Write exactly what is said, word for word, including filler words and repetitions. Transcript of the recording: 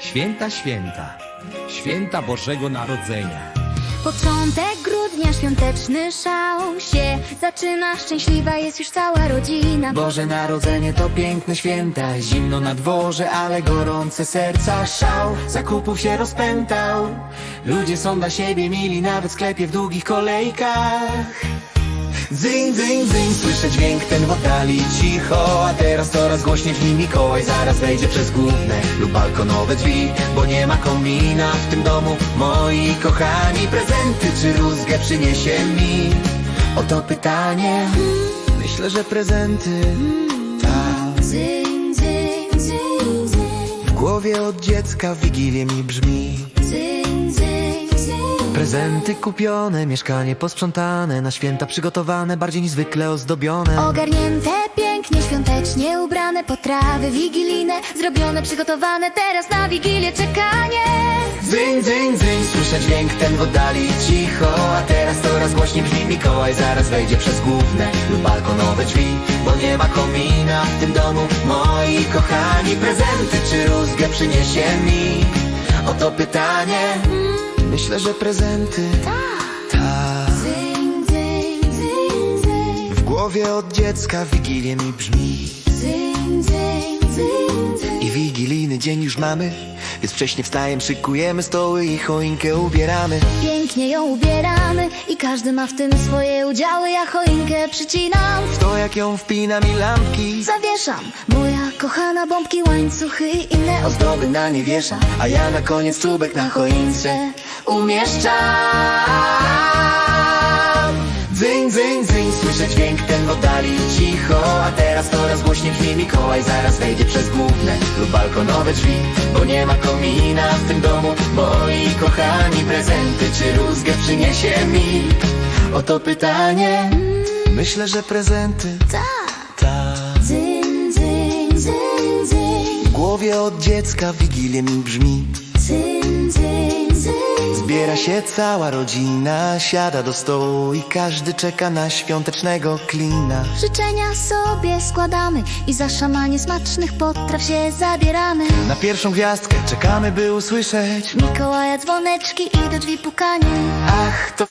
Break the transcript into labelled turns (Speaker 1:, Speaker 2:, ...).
Speaker 1: Święta, święta, święta Bożego Narodzenia.
Speaker 2: Początek grudnia, świąteczny szał się zaczyna, szczęśliwa jest już cała rodzina.
Speaker 3: Boże Narodzenie to piękne święta, zimno na dworze, ale gorące serca. Szał zakupów się rozpętał, ludzie są dla siebie mili, nawet w sklepie w długich kolejkach. Dzyń, dzyń, dzyń, słyszę dźwięk ten w oddali cicho, a teraz coraz głośniej brzmi Mikołaj, zaraz wejdzie przez główne lub balkonowe drzwi, bo nie ma komina w tym domu. Moi kochani, prezenty czy rózgę przyniesie mi? Oto pytanie, myślę, że prezenty. Tak.
Speaker 2: Dzyń, dzyń, dzyń, dzyń.
Speaker 3: W głowie od dziecka w Wigilię mi brzmi.
Speaker 2: Dzyń, dzyń, dzyń.
Speaker 3: Prezenty kupione, mieszkanie posprzątane, na święta przygotowane, bardziej niż zwykle ozdobione.
Speaker 2: Ogarnięte pięknie, świątecznie ubrane, potrawy wigilijne zrobione, przygotowane, teraz na Wigilię czekanie.
Speaker 3: Dzyń, dzyń, dzyń, słyszę dźwięk ten w oddali cicho, a teraz coraz głośniej brzmi Mikołaj, zaraz wejdzie przez główne lub balkonowe drzwi, bo nie ma komina w tym domu. Moi kochani, prezenty czy rózgę przyniesie mi? Oto pytanie, myślę, że prezenty. Tak.
Speaker 2: Dzyń, dzyń, dzyń, dzyń.
Speaker 3: W głowie od dziecka w Wigilię mi brzmi.
Speaker 2: Dzyń, dzyń, dzyń, dzyń.
Speaker 3: I wigilijny dzień już mamy, więc wcześnie wstajemy, szykujemy stoły i choinkę ubieramy.
Speaker 2: Pięknie ją ubieramy i każdy ma w tym swoje udziały. Ja choinkę przycinam,
Speaker 3: W to jak ją wpinam i lampki
Speaker 2: zawieszam. Moja kochana, bombki, łańcuchy i inne
Speaker 3: ozdoby na nie wieszam, a ja na koniec czubek na choince umieszczam. Dzyń, dzyń, dzyń, słyszę dźwięk ten w oddali cicho, a teraz coraz głośniej brzmi Mikołaj, zaraz wejdzie przez główne lub balkonowe drzwi, bo nie ma komina w tym domu. Moi kochani, prezenty czy rózgę przyniesie mi? Oto pytanie, myślę, że prezenty. Tak.
Speaker 2: Dzyń, dzyń, dzyń, dzyń.
Speaker 3: W głowie od dziecka w Wigilię mi brzmi.
Speaker 2: Dzyń, dzyń, dzyń.
Speaker 3: Zbiera się cała rodzina, siada do stołu i każdy czeka na świątecznego klina.
Speaker 2: Życzenia sobie składamy i za szamanie smacznych potraw się zabieramy.
Speaker 3: Na pierwszą gwiazdkę czekamy, by usłyszeć.
Speaker 2: Mikołaja dzwoneczki i do drzwi pukanie.
Speaker 3: Ach, to